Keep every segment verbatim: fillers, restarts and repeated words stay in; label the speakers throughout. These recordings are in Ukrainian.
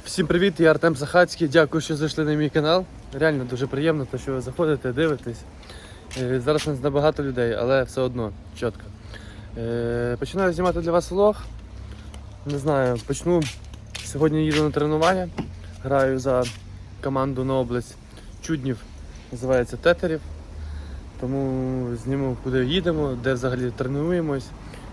Speaker 1: Всім привіт, я Артем Сахацький, дякую, що зайшли на мій канал. Реально дуже приємно, що ви заходите, дивитесь. Зараз у нас набагато людей, але все одно чітко. Починаю знімати для вас влог. Не знаю, почну. Сьогодні їду на тренування. Граю за команду на область Чуднів, називається Тетерів. Тому зніму, куди їдемо, де взагалі тренуємось.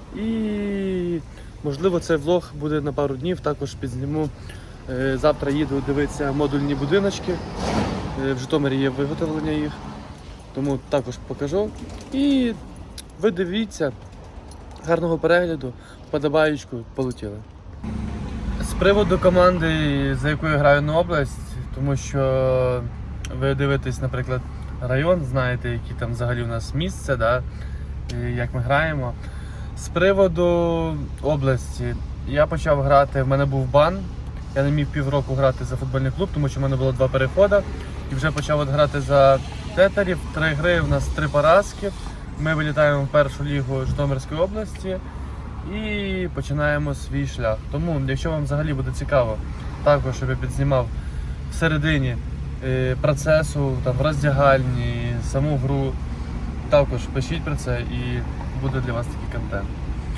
Speaker 1: І можливо цей влог буде на пару днів, також підзніму. Завтра їду дивитися модульні будиночки. В Житомирі є виготовлення їх, тому також покажу. І ви дивіться, гарного перегляду, вподобаєчку, полетіли. З приводу команди, за якою я граю на область, тому що ви дивитесь, наприклад, район, знаєте, які там взагалі у нас місце, да? Як ми граємо. З приводу області, я почав грати, в мене був бан. Я не міг півроку грати за футбольний клуб, тому що в мене було два переходи. І вже почав от грати за Тетерів. Три гри, у нас три поразки. Ми вилітаємо в першу лігу Житомирської області і починаємо свій шлях. Тому, якщо вам взагалі буде цікаво, також, щоб я підзнімав всередині процесу, там, в роздягальні, саму гру, також пишіть про це і буде для вас такий контент.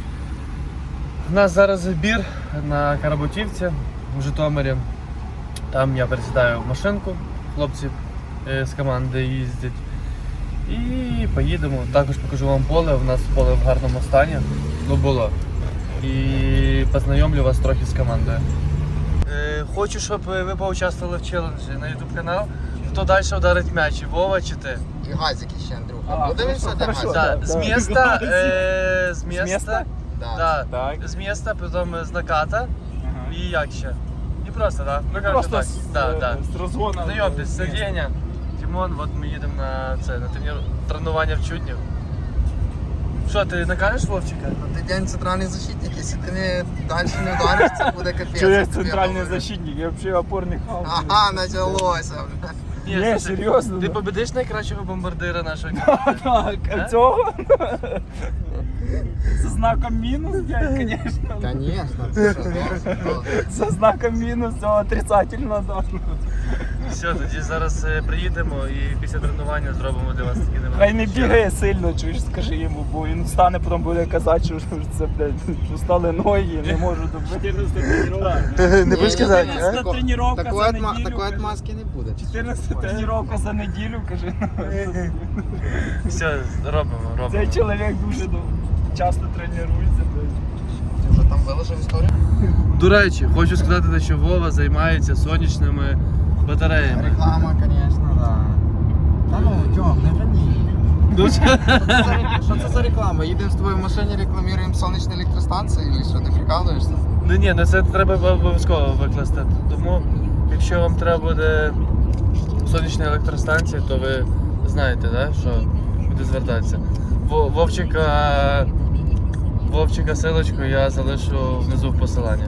Speaker 1: У нас зараз збір на Карабутівці в Житомирі. Там я пересідаю в машинку, хлопці з команди їздять. І поїдемо. Також покажу вам поле. У нас поле в гарному стані. Ну було. І познайомлю вас трохи з командою. Хочу, щоб ви поучаствували в челенджі на ютуб канал. Хто далі вдарить м'яч, Вова чи ти?
Speaker 2: І газики ще, Андрюха. Подивимося, де газик?
Speaker 1: Да, з міста, е, з міста,
Speaker 2: Да.
Speaker 1: да, з міста, потім з наката. І як ще? І просто, так? Да? Ну,
Speaker 3: Просто
Speaker 1: так.
Speaker 3: з,
Speaker 1: Да, да.
Speaker 3: з розгону.
Speaker 1: Знайомтесь, це Деня, Тимон, от ми їдемо на це, на тренір... тренування в Чуднів. Що, ти накажеш Вовчика?
Speaker 2: Ти день центральний защитник, якщо ти не далі не вдариш, це буде капець.
Speaker 3: Чого я
Speaker 2: Тобі
Speaker 3: центральний
Speaker 2: говорю.
Speaker 3: защитник? Я взагалі опорний хав.
Speaker 2: Ага, почалося.
Speaker 1: Ні,
Speaker 3: Ні,
Speaker 1: слухай,
Speaker 3: серйозно,
Speaker 1: Ти
Speaker 3: да.
Speaker 1: победиш найкращого бомбардира нашої команди?
Speaker 3: Так, а цього? Со знаком мінус, блядь, конечно.
Speaker 2: Конечно, ти що, ну,
Speaker 3: Со знаком мінус, цього отрицательно должно.
Speaker 1: Все, тоді зараз е, приїдемо і після тренування зробимо для вас такі невеличкі.
Speaker 3: Хай не бігає сильно, чуєш, скажи йому, бо він встане, потім буде казати, що це, блядь, устали ноги, не можу добити.
Speaker 1: Не будеш казати, а?
Speaker 3: чотирнадцята тренування
Speaker 2: такої
Speaker 3: за
Speaker 2: отма-
Speaker 3: неділю.
Speaker 2: Такої
Speaker 3: каже.
Speaker 2: отмазки не буде.
Speaker 3: чотирнадцята тренування за неділю, каже.
Speaker 1: Все, робимо, робимо.
Speaker 3: Цей чоловік дуже ну, часто тренується, блядь.
Speaker 2: Ти вже там виложив історію?
Speaker 1: До речі, хочу сказати, що Вова займається сонячними батареями.
Speaker 2: Реклама, звісно, да. Та ну, Тьом, не рані.
Speaker 1: Дуже.
Speaker 2: Що це за реклама? Їдемо з тобою в машині, рекламуємо сонячні електростанції, чи що, ти прикалуєшся?
Speaker 1: Ну ні, ну це треба обов'язково викласти. Тому, якщо вам треба буде сонячна електростанція, то ви знаєте, да, що буде звертатися. Во- Вовчика, Вовчика силочку я залишу внизу в посиланні.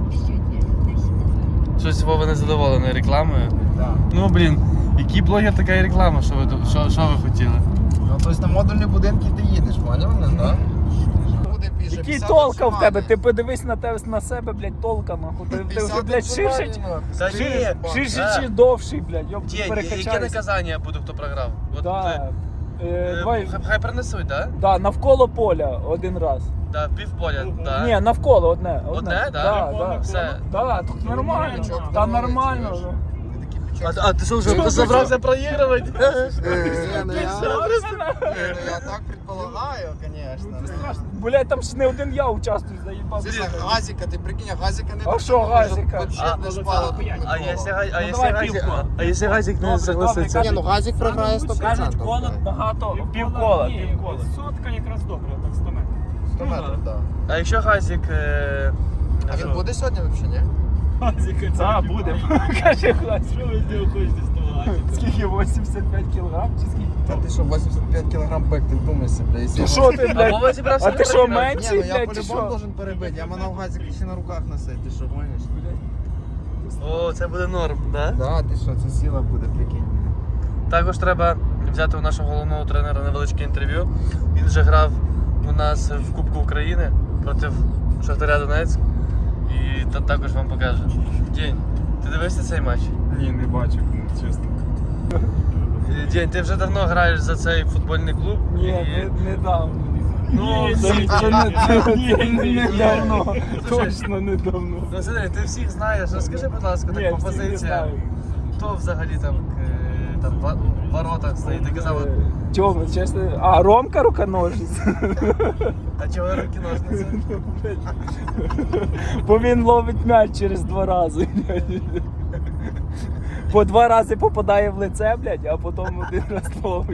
Speaker 1: Щось Вова не задоволений рекламою.
Speaker 2: Так.
Speaker 1: Ну блін, який блогер, така і реклама, що ви, ду- що, що ви хотіли?
Speaker 2: Ну, тобто на модульні будинки ти їдеш, поняв мене, так? Буде піше,
Speaker 3: Який
Speaker 2: п'ятдесят
Speaker 3: толка в тебе?
Speaker 2: максимальний.
Speaker 3: Ти подивись на тебе на себе, блядь, толка нахуй. Ти, ти вже,
Speaker 2: п'ятдесят
Speaker 3: блядь, ширше,
Speaker 2: максимальний,
Speaker 1: Та
Speaker 2: нахуй.
Speaker 1: ні,
Speaker 3: ширше
Speaker 1: Да.
Speaker 3: чи довший, блядь, йоп,
Speaker 1: Ті, яке
Speaker 3: перекачайся.
Speaker 1: наказання буде, хто програв? От,
Speaker 3: Да.
Speaker 1: е,
Speaker 3: Е,
Speaker 1: е,
Speaker 3: давай,
Speaker 1: хай, хай принесуть, так?
Speaker 3: да, навколо поля один раз.
Speaker 1: Да, півполя, так.
Speaker 3: Ні, навколо одне.
Speaker 1: Одне, да?
Speaker 3: Да, да.
Speaker 1: Все.
Speaker 3: Да, тут нормально.
Speaker 2: Бичок
Speaker 3: Та
Speaker 2: здоровий,
Speaker 3: нормально.
Speaker 2: чуєш?
Speaker 3: ну.
Speaker 2: Ти такий
Speaker 1: А,
Speaker 2: бичок.
Speaker 1: а ти що, вже
Speaker 2: Чого?
Speaker 1: забрався проігрувати?
Speaker 2: Ні, ну я- Ні, ну я так предполагаю, звісно.
Speaker 3: Блядь, там ж не один я участвую, заїбав.
Speaker 2: Це газика, ти прикинь, а газика не
Speaker 3: А що газика?
Speaker 2: Вообще
Speaker 1: А,
Speaker 2: не шпала тут
Speaker 1: А
Speaker 2: нікого.
Speaker 1: якщо га- а
Speaker 3: Ну,
Speaker 1: якщо
Speaker 3: давай
Speaker 1: газик,
Speaker 3: півко.
Speaker 1: а якщо газик не
Speaker 3: Добре,
Speaker 1: согласиться?
Speaker 3: добре,
Speaker 2: Ні, ну газик програє сто
Speaker 3: Кажуть,
Speaker 2: відсотків.
Speaker 3: коло багато. Півкола, півкола.
Speaker 4: Сотка якраз добре, так сто метрів.
Speaker 2: сто метрів, так.
Speaker 1: А якщо газик... е,
Speaker 2: А він буде сьогодні взагалі, ні?
Speaker 4: Азіка, це
Speaker 3: А, буде. Каже, хлопець.
Speaker 4: Що ви з нього хочете з того азіка?
Speaker 3: Скільки? вісімдесят п'ять кілограм? Чи скільки?
Speaker 2: Та ти що, вісімдесят п'ять кілограм бек, ти вдумайся, бля. якщо-
Speaker 3: Ти що ти,
Speaker 1: А
Speaker 3: блядь?
Speaker 1: Вова зібрався
Speaker 3: А
Speaker 1: на
Speaker 3: ти що,
Speaker 1: проіграти?
Speaker 3: мен-
Speaker 2: Ні, ну я
Speaker 3: блядь, ти
Speaker 2: по-любому
Speaker 3: що?
Speaker 2: должен перебити. Я манав газик ще на руках носить, ти що, гониш?
Speaker 1: О, це буде норм, да?
Speaker 2: Да, ти що, це сила буде, прикинь.
Speaker 1: Також треба взяти у нашого головного тренера невеличке інтерв'ю. Він вже грав у нас в Кубку України проти Шахтаря Донецьк. І там також вам покаже. День. Ти дивився Дивився цей матч?
Speaker 3: Ні, не бачив, ну, чесно.
Speaker 1: Е, День, ти вже давно граєш за цей футбольний клуб?
Speaker 3: Ні,
Speaker 1: І-
Speaker 3: не, недавно.
Speaker 1: Ну,
Speaker 3: Ні,
Speaker 1: всі-
Speaker 3: це, це, не, це, це не
Speaker 1: Ні.
Speaker 3: недавно.
Speaker 1: Слушай,
Speaker 3: Точно недавно.
Speaker 1: Ну, смотри, ти всіх знаєш. Розкажи, будь ласка, так
Speaker 3: Ні,
Speaker 1: по
Speaker 3: всіх не
Speaker 1: позиціям.
Speaker 3: знаю.
Speaker 1: Хто взагалі там, е, там в в воротах стоїть? Ти казав,
Speaker 3: Чому, чесно? А, Ромка руконожець.
Speaker 1: а чого руки ножниці?
Speaker 3: Бо він ловить м'яч через два рази. По два рази попадає в лице, блядь, а потім один раз ловить.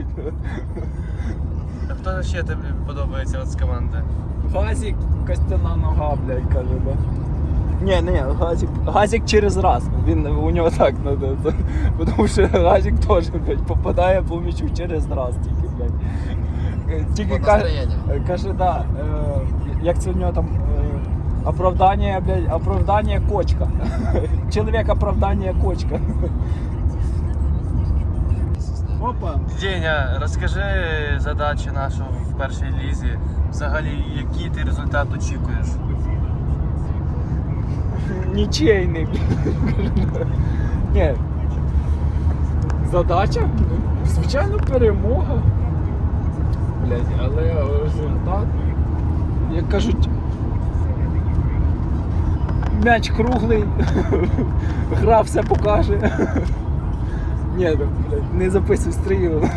Speaker 1: А хто ще тобі подобається от з команди?
Speaker 3: Газик, костяна нога, блядь, каже, да? Ні, ні, газик, газик через раз. Він у нього так надо. Тому що газик теж, блядь, попадає по м'ячу через раз тільки, блядь. Е, Тільки
Speaker 2: По
Speaker 3: каже,
Speaker 2: настроєнню.
Speaker 3: каже, да, е, як це в нього там е, оправдання, блядь, оправдання кочка. Чоловік оправдання кочка. Опа.
Speaker 1: Деня, розкажи задачі нашу в першій лізі. Взагалі, який ти результат очікуєш?
Speaker 3: Нічейний. Ні. Задача? Звичайно, перемога. Блядь, але результат, як кажуть, м'яч круглий, гра все покаже. Ні, ну, блядь, не записуй стрію.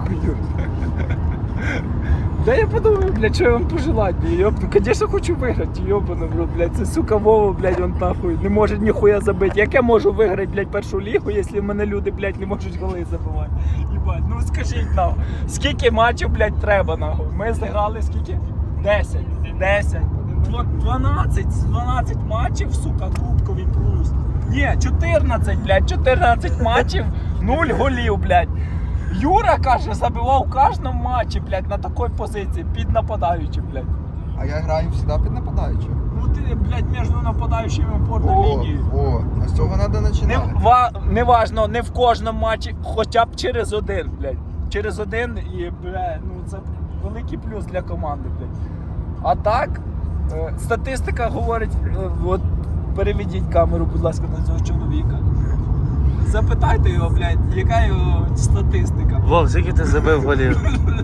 Speaker 3: Да я подумаю, блядь, що я вам пожелать, я, конечно, хочу виграти, йобану, бро, блядь, це сука Вова, блядь, он нахуй, не може ніхуя забити. Як я можу виграти, блядь, першу лігу, якщо в мене люди, блядь, не можуть голи забивати? Єбать, ну скажіть нам, скільки матчів, блядь, треба, нахуй? Ми зіграли скільки? десять, десять, дванадцять, дванадцять матчів, сука, кубковий плюс. Ні, чотирнадцять, блядь, чотирнадцять матчів, нуль голів, блядь. Юра, каже, забивав в кожному матчі, блядь, на такій позиції, під нападаючим, блядь.
Speaker 2: А я граю завжди під нападаючим.
Speaker 3: Ну ти, блядь, між нападаючими опорна
Speaker 2: О,
Speaker 3: лінія.
Speaker 2: о, а з цього треба
Speaker 3: Не,
Speaker 2: починати.
Speaker 3: ва, не важно, не в кожному матчі, хоча б через один, блядь. Через один і, блядь, ну це великий плюс для команди, блядь. А так, е, статистика говорить, е, от переведіть камеру, будь ласка, на цього чоловіка. Запитайте його, блядь, яка його статистика.
Speaker 1: Вов, скільки ти забив голів?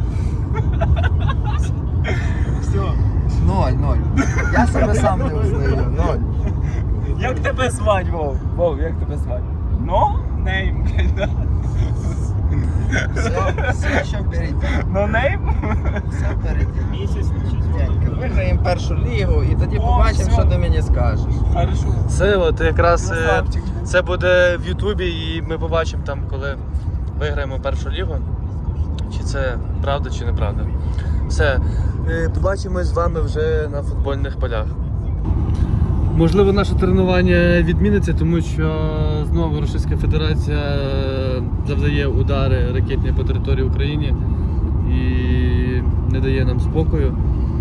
Speaker 3: Все.
Speaker 2: Ноль, ноль. Я себе сам не узнаю. Ноль.
Speaker 3: Як тебе звать, Вов? Вов, як тебе звать? No name, блядь, да.
Speaker 2: Все, все ще впереді.
Speaker 3: No name?
Speaker 2: Все впереді.
Speaker 4: Місяць щось
Speaker 2: Денька, виграємо першу лігу і тоді
Speaker 3: О,
Speaker 2: побачимо,
Speaker 3: все.
Speaker 2: що ти мені скажеш.
Speaker 3: Хорошо.
Speaker 1: Це от якраз е,
Speaker 3: Красавчик.
Speaker 1: це буде в Ютубі, і ми побачимо там, коли виграємо першу лігу. Чи це правда, чи неправда. Все, е, побачимось з вами вже на футбольних полях. Можливо, наше тренування відміниться, тому що знову Російська Федерація завдає удари ракетні по території України і не дає нам спокою.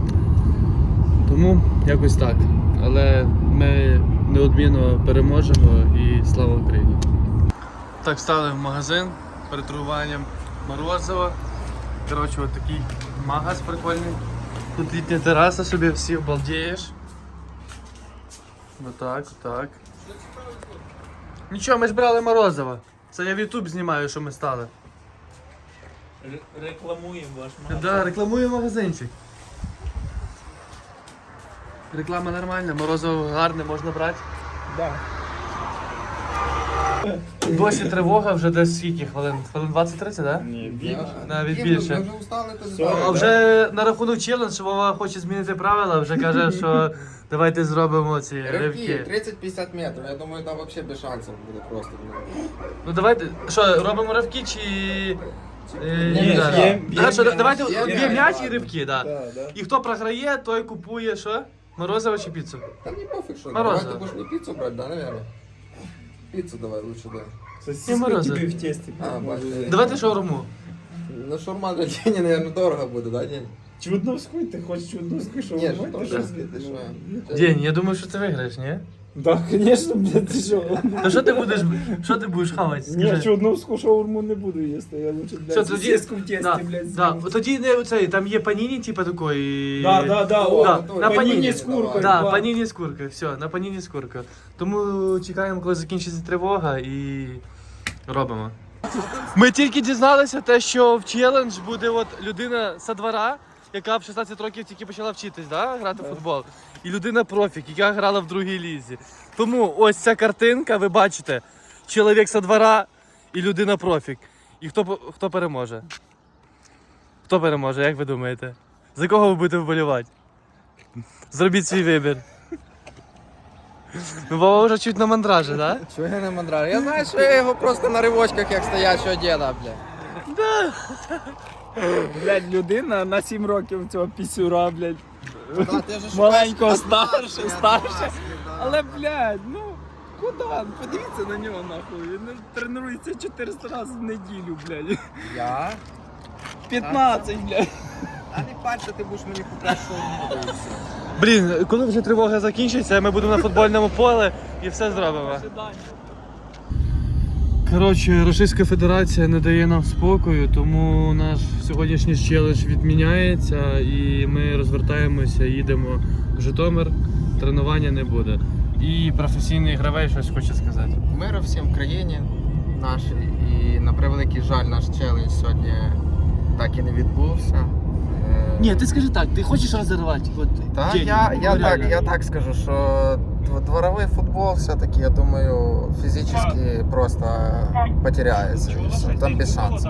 Speaker 1: Тому якось так. Але ми неодмінно переможемо і слава Україні. Так, стали в магазин перед торгуванням морозива. Коротше, от такий магаз прикольний. Тут літня тераса, собі всі обалдієш. Отак, отак. Нічого, ми ж брали морозиво. Це я в YouTube знімаю, що ми стали.
Speaker 3: Рекламуємо ваш
Speaker 1: Так, да, рекламуємо магазинчик. Реклама нормальна, морозиво гарне, можна брати.
Speaker 3: Да.
Speaker 1: Досі тривога, вже десь скільки хвилин? Хвилин двадцять-тридцять, так? Да?
Speaker 3: Ні,
Speaker 1: Навіть
Speaker 2: Ми
Speaker 1: більше.
Speaker 2: вже устали, то
Speaker 3: Все.
Speaker 1: А
Speaker 2: здорово.
Speaker 1: вже на рахунок челендж, Вова хоче змінити правила, вже каже, що давайте зробимо ці
Speaker 2: Ривки,
Speaker 1: ривки.
Speaker 2: тридцять-п'ятдесят метрів, я думаю, там взагалі без шансів буде просто.
Speaker 1: Ну давайте, що, робимо ривки чи... Е,
Speaker 2: Ні,
Speaker 1: ні,
Speaker 2: ні,
Speaker 1: да.
Speaker 2: б'єм,
Speaker 1: Да,
Speaker 3: б'єм
Speaker 1: що,
Speaker 3: м'яч.
Speaker 1: давайте
Speaker 2: Б'єм
Speaker 1: б'єм
Speaker 2: м'яч,
Speaker 1: м'яч і
Speaker 2: ладно.
Speaker 1: ривки, да.
Speaker 3: Да, да.
Speaker 1: І хто програє, той купує що? Морозиво чи піцу?
Speaker 2: Та не пофіг, що.
Speaker 1: Морозиво.
Speaker 2: Давай ти будеш не піцу брати, да, наверное? Піцу давай лучше, да.
Speaker 3: Сосиска
Speaker 1: морозиво.
Speaker 3: тобі в тесті.
Speaker 2: А, бачите.
Speaker 1: Давайте шаурму.
Speaker 2: Ну шаурма для Дені, наверное, дорого буде, да, День?
Speaker 3: Чудновську, ти хочеш чудновську, що
Speaker 2: Ні,
Speaker 3: ви
Speaker 2: що
Speaker 3: можете?
Speaker 2: трошки, ти що?
Speaker 1: День, я думаю, що ти виграєш, ні?
Speaker 3: Так, звісно, блядь, ти що?
Speaker 1: Ну що ти будеш, що ти будеш хавати?
Speaker 3: Ні,
Speaker 1: Скажи.
Speaker 3: що одну шаурму не буду їсти, я лучше,
Speaker 1: Все,
Speaker 3: блядь,
Speaker 1: тоді,
Speaker 3: сосиску в тесті,
Speaker 1: да,
Speaker 3: блядь,
Speaker 1: да.
Speaker 3: з'їм.
Speaker 1: Тоді не оцей, там є паніні, типу такої.
Speaker 3: Да, да, да,
Speaker 2: О,
Speaker 3: о,
Speaker 1: да,
Speaker 3: на
Speaker 1: на
Speaker 3: паніні
Speaker 1: паніні.
Speaker 3: з куркою.
Speaker 1: Да,
Speaker 3: два.
Speaker 1: паніні з куркою, все, на паніні з куркою. Тому чекаємо, коли закінчиться тривога і робимо. Ми тільки дізналися те, що в челендж буде от людина со двора, яка в шістнадцять років тільки почала вчитись, да, грати в футбол. І людина профік, яка грала в другій лізі. Тому ось ця картинка, ви бачите, чоловік со двора і людина профік. І хто, по- хто переможе? Хто переможе, як ви думаєте? За кого ви будете вболівати? Зробіть свій вибір. Ну, Вова вже чуть на мандражі, так? Да?
Speaker 2: Чого я не мандрар? Я знаю, що я його просто на ривочках, як стоячого діда, блядь.
Speaker 3: Блядь, людина на сім років цього пісюра, блядь.
Speaker 2: Да, ти вже шукаєш
Speaker 3: Маленького
Speaker 2: однажды,
Speaker 3: старше,
Speaker 2: однажды,
Speaker 3: старше.
Speaker 2: да.
Speaker 3: Але, блядь, ну, куди? Подивіться на нього, нахуй. Він тренується чотириста разів в неділю, блядь.
Speaker 2: Я?
Speaker 3: п'ятнадцять, блядь.
Speaker 2: А не пальця, ти будеш мені купляти, що не буде.
Speaker 1: Блін, коли вже тривога закінчиться, ми будемо на футбольному полі і все зробимо. Коротше, Російська Федерація не дає нам спокою, тому наш сьогоднішній челендж відміняється і ми розвертаємося, їдемо в Житомир, тренування не буде. І професійний гравець щось хоче сказати.
Speaker 2: Миру всім в країні нашій. І на превеликий жаль, наш челендж сьогодні так і не відбувся. Е,
Speaker 1: Ні, ти скажи так, ти хочеш розірвати? От,
Speaker 2: Та
Speaker 1: день,
Speaker 2: я, я,
Speaker 1: ну,
Speaker 2: так,
Speaker 1: реально.
Speaker 2: я так скажу, що дв- дворовий футбол все-таки, я думаю, фізично просто потеряється. і все. Там без шансів.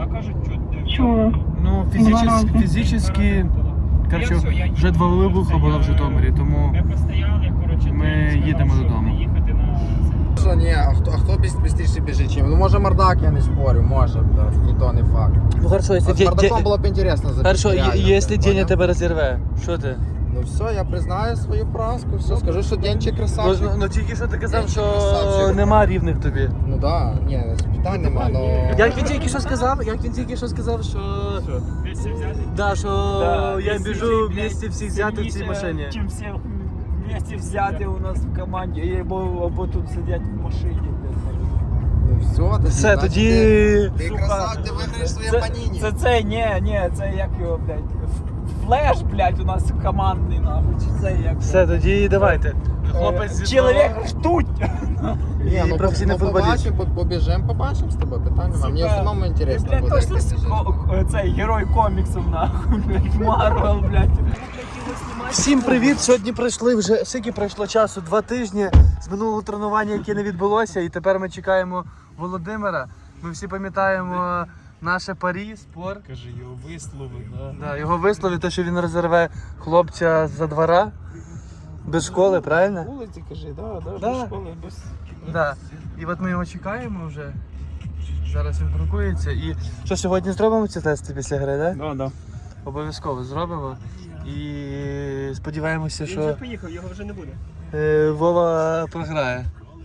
Speaker 1: Ну, фізично, фізично, коротше, вже два вибухи було в Житомирі, тому
Speaker 4: Ми постояли, коротше,
Speaker 1: Ми
Speaker 4: ти сказав,
Speaker 1: їдемо
Speaker 4: що
Speaker 1: додому.
Speaker 4: їхати на це.
Speaker 2: Що, ні, а хто, а хто швидше біжить чим? Ну може Мардак, я не спорю, може, да, і то не факт.
Speaker 1: Ну хорошо,
Speaker 2: А з Мардаком було б інтересно забити.
Speaker 1: Хорошо,
Speaker 2: реально,
Speaker 1: якщо
Speaker 2: ти
Speaker 1: Деня
Speaker 2: поняв?
Speaker 1: тебе розірве, що ти?
Speaker 2: Ну все, я признаю свою поразку, все, скажу, що Денчик
Speaker 1: Ну,
Speaker 2: красавчик.
Speaker 1: ну, ну тільки що ти казав,
Speaker 2: Денчик
Speaker 1: що
Speaker 2: красавчик.
Speaker 1: нема рівних тобі.
Speaker 2: Ну да, ні, питань нема, но...
Speaker 1: Як він тільки що сказав, як він тільки що сказав, що...
Speaker 4: Вместе взяти.
Speaker 1: Да, що
Speaker 3: Да,
Speaker 1: я
Speaker 3: якщо
Speaker 1: біжу
Speaker 3: ти, блядь,
Speaker 1: вместе всіх взяти в цій
Speaker 3: сильніше,
Speaker 1: машині.
Speaker 3: Чим всіх вместе взяти у нас в команді, або, або тут сидять в машині, блядь.
Speaker 2: Ну все, тоді,
Speaker 1: Все,
Speaker 2: значить,
Speaker 1: тоді...
Speaker 2: Ти, ти
Speaker 3: Сука,
Speaker 2: красавчик, ти виграєш своє
Speaker 3: Це,
Speaker 2: паніні.
Speaker 3: це цей, ні, ні, це як його, блядь, флеш, блядь, у нас командний, нахуй, чи це як?
Speaker 1: Все, тоді давайте. Хлопець зі
Speaker 3: Чоловік
Speaker 1: двора.
Speaker 3: ждуть!
Speaker 2: Ні,
Speaker 1: і
Speaker 2: ну,
Speaker 1: професійний
Speaker 2: ну,
Speaker 1: футболіст.
Speaker 2: побачимо, по- побіжимо, побачимо з тобою, питань нема. Мені в основному
Speaker 3: Ти,
Speaker 2: інтересно
Speaker 3: блядь,
Speaker 2: буде, як
Speaker 3: точно
Speaker 2: ти
Speaker 3: с-
Speaker 2: біжиш.
Speaker 3: ко- ко- цей герой коміксів, нахуй, блядь, Марвел, блядь.
Speaker 1: Всім привіт! Сьогодні пройшли вже, скільки пройшло часу? Два тижні з минулого тренування, яке не відбулося, і тепер ми чекаємо Володимира. Ми всі пам'ятаємо наше парі, спор.
Speaker 4: Каже, його вислови, да.
Speaker 1: Да, його вислові, те, що він розірве хлопця за двора без школи, правильно?
Speaker 3: Вулиці, кажи, да, да,
Speaker 1: Да.
Speaker 3: без школи, без...
Speaker 1: Да. І от ми його чекаємо вже. Зараз він паркується. І що, сьогодні зробимо ці тести після гри, так? Да?
Speaker 3: Да, да.
Speaker 1: Обов'язково зробимо. І сподіваємося,
Speaker 4: Він вже
Speaker 1: що
Speaker 4: поїхав, його вже не буде.
Speaker 1: е, Вова програє.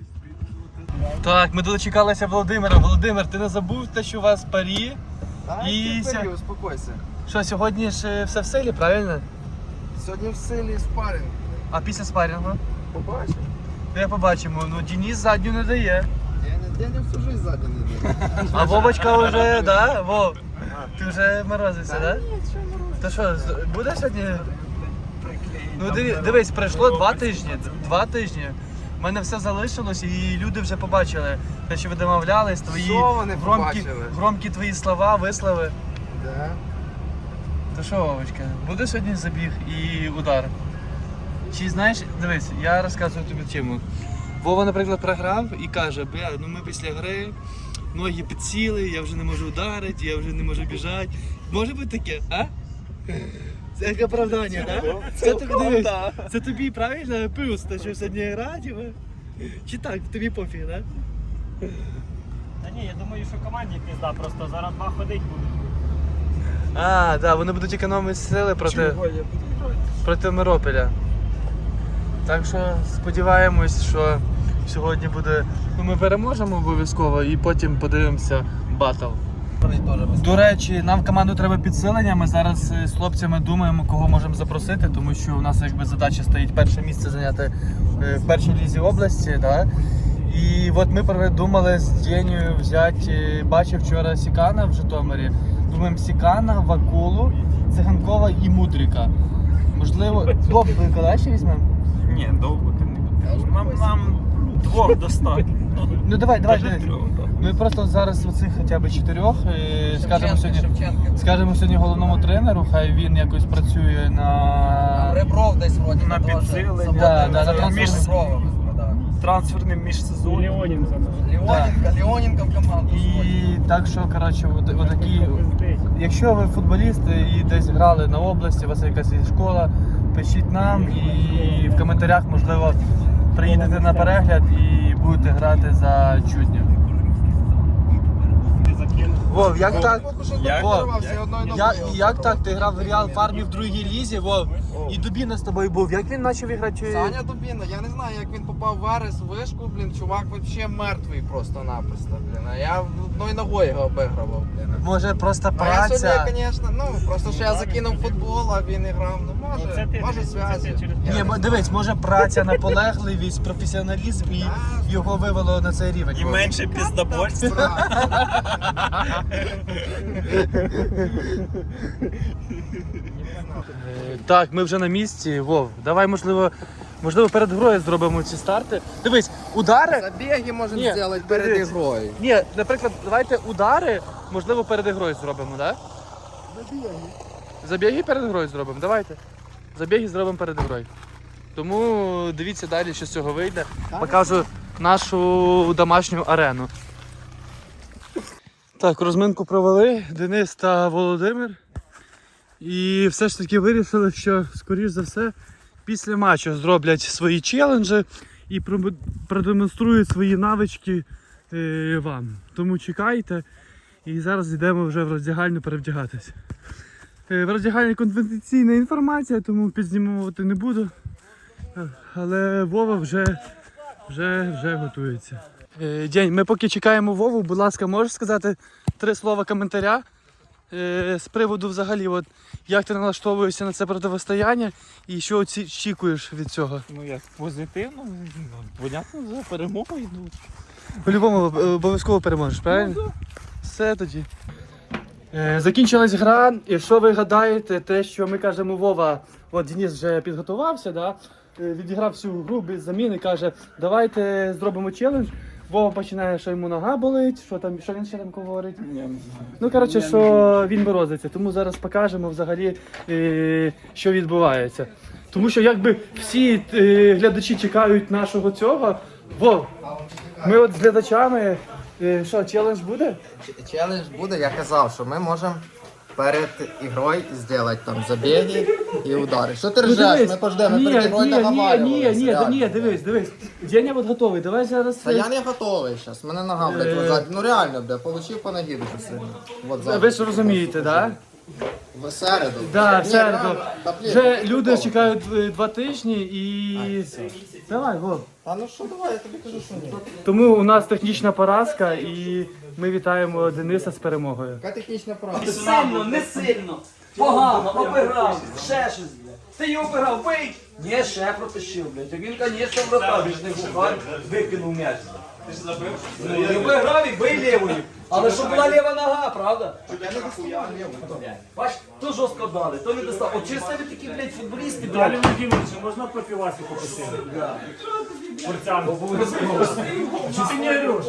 Speaker 1: Так, ми дочекалися Володимира. Володимир, ти не забув те, що у вас парі?
Speaker 2: Та,
Speaker 1: І
Speaker 2: ти
Speaker 1: ся-
Speaker 2: бери, успокойся.
Speaker 1: Що, сьогодні ж е, все в силі, правильно?
Speaker 2: Сьогодні в силі спаринг.
Speaker 1: А після спарінгу?
Speaker 2: Побачимо.
Speaker 1: Я побачимо. Ну, Денис задню не дає.
Speaker 2: Я не, я не всю жизнь ззаді не йду.
Speaker 1: А Вовочка вже, да? Вов, ти вже морозився, да? То що, з- буде сьогодні? Ну диви- дивись, пройшло два тижні. Два тижні. У мене все залишилось і люди вже побачили те, що ви домовлялись, твої
Speaker 2: Що вони
Speaker 1: громкі,
Speaker 2: побачили?
Speaker 1: громкі твої слова, вислови.
Speaker 2: Да.
Speaker 1: То що, Вовочка, буде сьогодні забіг і удар? Чи знаєш, дивись, я розказую тобі тему. Вова, наприклад, програв і каже, бля, ну ми після гри, ноги підсіли, я вже не можу ударити, я вже не можу біжати. Може бути таке, а? Це як оправдання, так? Да? Це тобі дивись. Це тобі правильно плюс, те, що сьогодні грати, чи так, тобі пофіг, так? Да?
Speaker 4: Та ні, я думаю, що команді пізда, просто зараз два ходить будуть.
Speaker 1: А, так, да, вони будуть економити сили проти,
Speaker 3: Чого я буду грати?
Speaker 1: проти Миропіля. Так що сподіваємось, що сьогодні буде. Ну, ми переможемо обов'язково і потім подивимося батл. До речі, нам в команду треба підсилення. Ми зараз е, з хлопцями думаємо, кого можемо запросити, тому що у нас якби задача стоїть перше місце зайняти е, в першій лізі області. Да? І от ми придумали з Дєнею взяти, бачив вчора Сікана в Житомирі. Думаємо Сікана, Вакулу, Циганкова і Мудрика. Можливо, Довбика ще візьмемо?
Speaker 3: Ні, довго ти не будеш. Нам, нам двох достатньо.
Speaker 1: Ну давай, давай,
Speaker 3: Даже
Speaker 1: дивись.
Speaker 3: трьох, так.
Speaker 1: Ми просто зараз оцих хоча б чотирьох е, скажемо сьогодні, скажемо сьогодні головному тренеру, хай він якось працює на
Speaker 2: Ребров десь вроді
Speaker 3: На підсилення.
Speaker 1: Да, да, на трансфер.
Speaker 3: Між-
Speaker 2: Реброва.
Speaker 3: трансферним міжсезонням.
Speaker 4: Леонін
Speaker 2: Леоненко, Леоненко в команду.
Speaker 1: І так що, коротше, от, от такі, якщо ви футболісти і десь грали на області, у вас є якась є школа, пишіть нам і в коментарях, можливо, приїдете на перегляд і будете грати за чудню. Вов, як так?
Speaker 3: Як?
Speaker 1: Вов, як, як так? Ти грав в Реал Фармі в другій лізі, Вов, і Дубіна з тобою був. Як він почав грати?
Speaker 2: Саня Дубіна, я не знаю, як він попав в Верес, в вишку, блін, чувак взагалі мертвий просто-напросто, блін. А я одною ногою його обігрував, блін.
Speaker 1: Може просто
Speaker 2: А я
Speaker 1: праця?
Speaker 2: сьогодні, звісно, ну, просто що я закинув футбол, а він і грав, ну, може, може зв'язі. Я
Speaker 1: Ні,
Speaker 2: не
Speaker 1: мо-
Speaker 2: знаю.
Speaker 1: дивись, може праця, наполегливість, професіоналізм і його вивело на цей рівень.
Speaker 3: І менше піздобольства.
Speaker 1: Е, Так, ми вже на місці. Вов, давай, можливо, можливо, перед грою зробимо ці старти. Дивись, удари.
Speaker 2: Забіги можемо
Speaker 1: Ні,
Speaker 2: зробити перед
Speaker 1: дивись.
Speaker 2: ігрою.
Speaker 1: Ні, наприклад, давайте удари, можливо, перед грою зробимо, так? Забіги. Забіги перед грою зробимо, давайте. Забіги зробимо перед грою. Тому дивіться далі, що з цього вийде. Покажу нашу домашню арену. Так, розминку провели Денис та Володимир. І все ж таки вирішили, що, скоріш за все, після матчу зроблять свої челенджі і про- продемонструють свої навички е, вам. Тому чекайте. І зараз йдемо вже в роздягальню перевдягатись. Е, в роздягальні конфіденційна інформація, тому підзнімувати не буду. Е, Але Вова вже, вже, вже готується. Е, День, ми поки чекаємо Вову, будь ласка, можеш сказати три слова коментаря е, з приводу взагалі, от, як ти налаштовуєшся на це протистояння і що оці- очікуєш від цього?
Speaker 3: Ну як позитивно, ну, понятно, за перемогою йдуть.
Speaker 1: По-любому е, обов'язково переможеш, правильно? Все тоді. Е, закінчилась гра, і що ви гадаєте, те, що ми кажемо Вова, от Денис вже підготувався, да? е, відіграв всю гру без заміни, каже, давайте зробимо челендж. Вова починає, що йому нога болить, що там, що він ще там говорить. Ну, коротше, що він морозиться, тому зараз покажемо взагалі, е, що відбувається. Тому що якби всі е, глядачі чекають нашого цього. Вов, ми от з глядачами, е, що, челендж буде?
Speaker 2: Челендж буде, я казав, що ми можемо перед ігрою зробити там забіги і удари. Що ти ржеш? Ми пождемо, ми
Speaker 1: ні,
Speaker 2: перед ігрою
Speaker 1: ні, ні, ні,
Speaker 2: наговарювалися.
Speaker 1: ні,
Speaker 2: реально.
Speaker 1: ні, дивись, дивись. Деня от готовий, давай зараз.
Speaker 2: Та я не готовий зараз, мене нога, блядь,
Speaker 1: Е.
Speaker 2: лежать. Ну реально, блядь, получив по ногі дуже сильно. Вот зараз.
Speaker 1: Ви ж розумієте, так? Да?
Speaker 2: В середу.
Speaker 1: Да, в
Speaker 2: Ні,
Speaker 1: середу.
Speaker 2: реально, та, блін,
Speaker 1: Вже
Speaker 2: ти
Speaker 1: люди
Speaker 2: готовий.
Speaker 1: чекають е, два тижні і. Давай, Вов.
Speaker 2: А ну що, давай, я тобі кажу, що ні.
Speaker 1: Тому у нас технічна поразка і ми вітаємо Дениса з перемогою.
Speaker 2: Яка технічна права?
Speaker 5: Сильно, не сильно. Погано, обіграв, ще щось, блядь. Ти його обіграв, бий! Ні, ще протащив, блядь. А він, звісно, вратар, він ж не бухар, викинув м'яч. Ти ж забив? Ну, не обіграв і бий лівою. Але щоб була ліва нога, правда? Бач, то жорстко дали, то не достав. От через тебе такі, блядь, футболісти,
Speaker 4: Далі
Speaker 5: блядь.
Speaker 4: Володимировичу, можна профіласі попросити? Порцяну. Чи ти не ореш?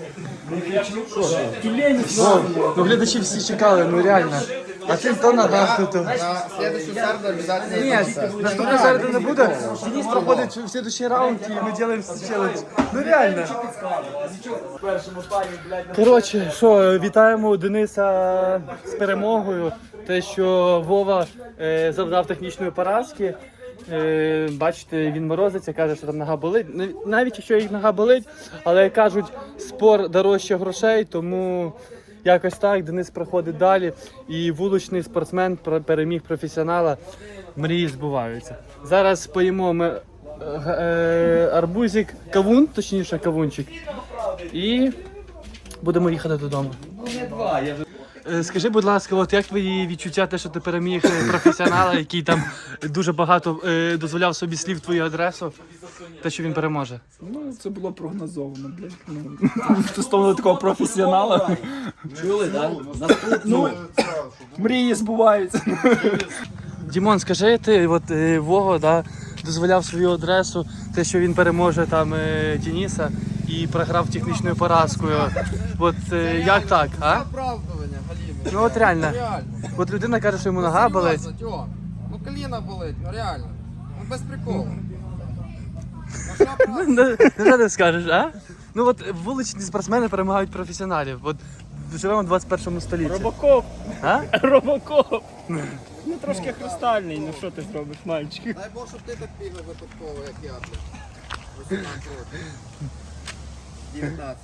Speaker 1: Ну глядачі всі чекали, ну реально. А ти то нога тут.
Speaker 2: На следующую середу обязательно
Speaker 1: Ні,
Speaker 2: йдемо.
Speaker 1: наступної середи не буде. Денис проходить в следующий раунд і ми робимо челендж. Ну реально.
Speaker 5: В першому таймі, блядь,
Speaker 1: Коротше, що, вітаємо Дениса з перемогою. Те, що Вова е, завдав технічної поразки. Е, бачите, він морозиться, каже, що там нога болить. Нав- Навіть якщо їх нога болить, але кажуть, спор дорожче грошей, тому якось так Денис проходить далі. І вуличний спортсмен про- переміг професіонала. Мрії збуваються. Зараз поїмо ми е, е, арбузик, кавун, точніше кавунчик. І будемо їхати додому.
Speaker 5: не два, я вже...
Speaker 1: Е, Скажи, будь ласка, от як твої відчуття, те, що ти переміг е, професіонала, який там дуже багато е, дозволяв собі слів в твою адресу, те, що він переможе?
Speaker 3: Ну, це було прогнозовано, блядь. Ну, стосовно такого професіонала.
Speaker 5: Чули, так? Наступну.
Speaker 3: Мрії збуваються.
Speaker 1: Дімон, скажи, ти от е, Вова, да, дозволяв свою адресу, те, що він переможе там е, Дениса і програв технічною поразкою. От е, як так, а?
Speaker 2: Оправдування, Галімі.
Speaker 1: Ну от реально.
Speaker 2: Реально.
Speaker 1: От людина каже, що йому нога болить.
Speaker 2: Серйозно, Тьом. Ну коліна болить, ну реально. Ну без приколу. Ну що правда?
Speaker 1: Ну, що ти скажеш, а? Ну от вуличні спортсмени перемагають професіоналів. От живемо в двадцять першому столітті.
Speaker 4: Робокоп,
Speaker 1: А?
Speaker 4: робокоп. Ну трошки хрустальний, ну що ти зробиш, мальчик?
Speaker 2: Дай Бог, щоб ти так бігав випадково, як я, блядь. вісімнадцять років. дев'ятнадцять.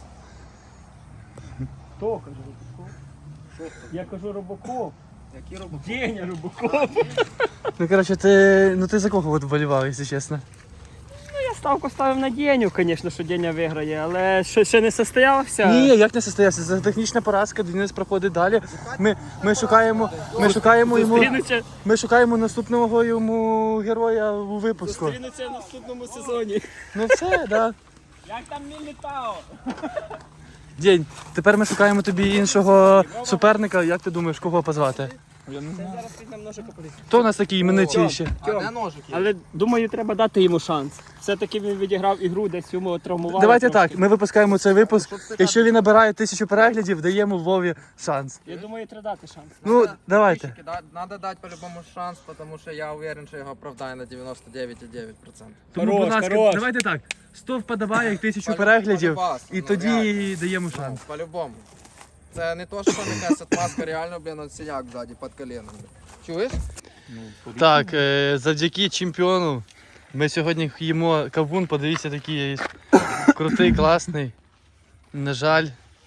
Speaker 4: Хто каже робокоп? Я кажу робокоп.
Speaker 2: Який робот?
Speaker 4: Деня робокоп.
Speaker 1: Ну коротше, ти. Ну ти за кого от вболівав, якщо чесно?
Speaker 4: Я ставку ставив на Деню, звісно, що Деня виграє, але ще, ще не состоявся.
Speaker 1: Ні, як не состоявся? Це технічна поразка, Денис проходить далі. Ми, ми шукаємо, ми шукаємо йому.
Speaker 4: Зустрінуться,
Speaker 1: Ми шукаємо наступного йому героя у випуску.
Speaker 4: зустрінуться в наступному сезоні.
Speaker 1: Ну все, да.
Speaker 4: Як там Мілітао?
Speaker 1: День. Тепер ми шукаємо тобі іншого суперника. Як ти думаєш, кого позвати?
Speaker 4: Зараз візьмемо ножика поліцію.
Speaker 1: Хто у нас такий іменитий ще?
Speaker 2: А де ножик є?
Speaker 4: Але думаю, треба дати йому шанс. Все-таки він відіграв ігру, десь йому травмували.
Speaker 1: Давайте
Speaker 4: трошки.
Speaker 1: так, ми випускаємо цей випуск. Якщо він набирає тисячу переглядів, даємо Вові шанс.
Speaker 4: Я думаю, треба дати шанс.
Speaker 1: Ну, давайте.
Speaker 2: Трішки, да- Надо дати по-любому шанс, тому що я уверен, що його оправдає на дев'яносто дев'ять цілих дев'ять десятих відсотка.
Speaker 1: Тому,
Speaker 4: Хорош,
Speaker 1: будь ласка,
Speaker 4: хорош.
Speaker 1: давайте так. сто вподобайок, тисячу
Speaker 2: Полю-
Speaker 1: переглядів,
Speaker 2: полюбас,
Speaker 1: і
Speaker 2: ну,
Speaker 1: тоді
Speaker 2: реально.
Speaker 1: даємо
Speaker 2: Ну,
Speaker 1: шанс.
Speaker 2: по-любому. Це не то, що якась отмазка, реально, блін, от синяк ззаді під коленом. блін. Чуєш?
Speaker 1: Так, е, завдяки чемпіону ми сьогодні їмо кавун, подивіться, такий крутий, класний. На жаль.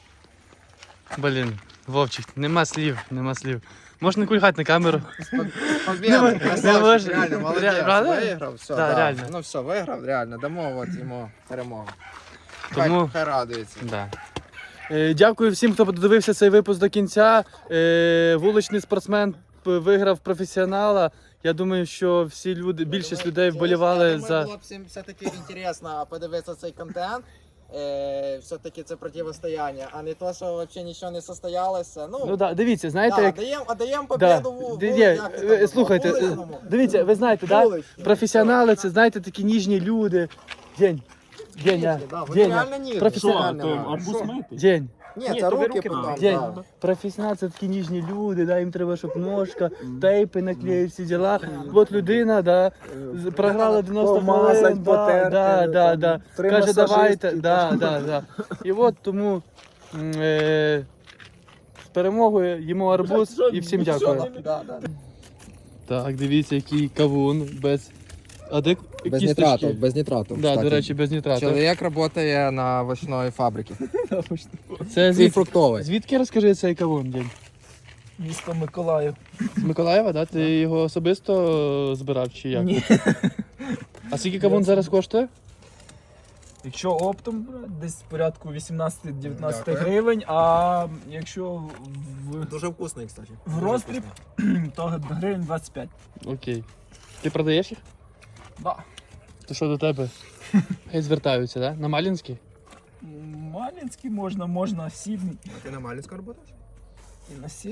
Speaker 1: Блін, Вовчик, нема слів, нема слів. Можна не кульгати на камеру.
Speaker 2: Побіда,
Speaker 1: не
Speaker 2: красавчик,
Speaker 1: можеш.
Speaker 2: реально, молодець.
Speaker 1: Ре- правда?
Speaker 2: Виграв, все,
Speaker 1: Да,
Speaker 2: да.
Speaker 1: реально.
Speaker 2: Ну все, виграв, реально, дамо от йому перемогу.
Speaker 1: Тому-
Speaker 2: Хай, хай радується.
Speaker 1: Да. Е, Дякую всім, хто подивився цей випуск до кінця. Е, Вуличний спортсмен п- виграв професіонала. Я думаю, що всі люди, більшість людей вболівали
Speaker 2: Я думаю,
Speaker 1: за.
Speaker 2: було б всім все-таки інтересно подивитися цей контент. Е, все-таки це протистояння, а не то, що взагалі нічого не состоялося. Ну,
Speaker 1: Ну да, дивіться, знаєте,
Speaker 2: да,
Speaker 1: як.
Speaker 2: даємо, а даємо
Speaker 1: Да.
Speaker 2: побіду в
Speaker 1: Ді-
Speaker 2: в-
Speaker 1: ні,
Speaker 2: як це
Speaker 1: е,
Speaker 2: там,
Speaker 1: слухайте, е,
Speaker 2: вуличному.
Speaker 1: дивіться, ви знаєте, да?
Speaker 2: Вуличному.
Speaker 1: Професіонали це, знаєте, такі ніжні люди. День. Деня.
Speaker 2: Да, вони
Speaker 1: Деня.
Speaker 2: реально ніжні.
Speaker 1: Професіонал.
Speaker 2: Що, то
Speaker 4: арбуз мити?
Speaker 1: День.
Speaker 2: Ні,
Speaker 4: Ні,
Speaker 2: це
Speaker 4: то ви
Speaker 2: руки
Speaker 4: руки
Speaker 2: потім.
Speaker 4: мали.
Speaker 1: День.
Speaker 2: да.
Speaker 1: Професіонал це такі ніжні люди, да, їм треба, щоб ножка, тейпи наклеїть, всі діла. От людина, да, з- програла дев'яносто
Speaker 3: Помазать,
Speaker 1: хвилин, да,
Speaker 3: потерти,
Speaker 1: да, да,
Speaker 3: там,
Speaker 1: да.
Speaker 3: три
Speaker 1: Каже, давайте,
Speaker 3: масажистки,
Speaker 1: да, да, да. І от тому м, е, з перемогою їмо арбуз і всім дякую.
Speaker 2: Да, да.
Speaker 1: Так, дивіться, який кавун без... А де
Speaker 2: Без
Speaker 1: кісточки?
Speaker 2: нітрату, без нітрату.
Speaker 1: Да,
Speaker 2: кстати.
Speaker 1: до речі, без нітрату.
Speaker 2: Чоловік працює на овочної фабриці.
Speaker 1: Це
Speaker 2: І
Speaker 1: звід...
Speaker 2: фруктовий.
Speaker 1: звідки, розкажи, цей кавун, День?
Speaker 3: Місто Миколаїв.
Speaker 1: З Миколаєва, да? Ти його особисто збирав чи як?
Speaker 3: Ні.
Speaker 1: А скільки кавун зараз коштує?
Speaker 3: Якщо оптом брати, десь в порядку вісімнадцять-дев'ятнадцять
Speaker 2: Дякую.
Speaker 3: гривень, а якщо в,
Speaker 2: Дуже вкусний, кстати.
Speaker 3: в роздріб, то гривень двадцять п'ять.
Speaker 1: Окей. Ти продаєш їх?
Speaker 3: Да.
Speaker 1: То що до тебе? Хай звертаються, да? На Малінський?
Speaker 3: Малінський можна, можна сідний
Speaker 2: Ти на Малінську працюєш?
Speaker 3: і на сі.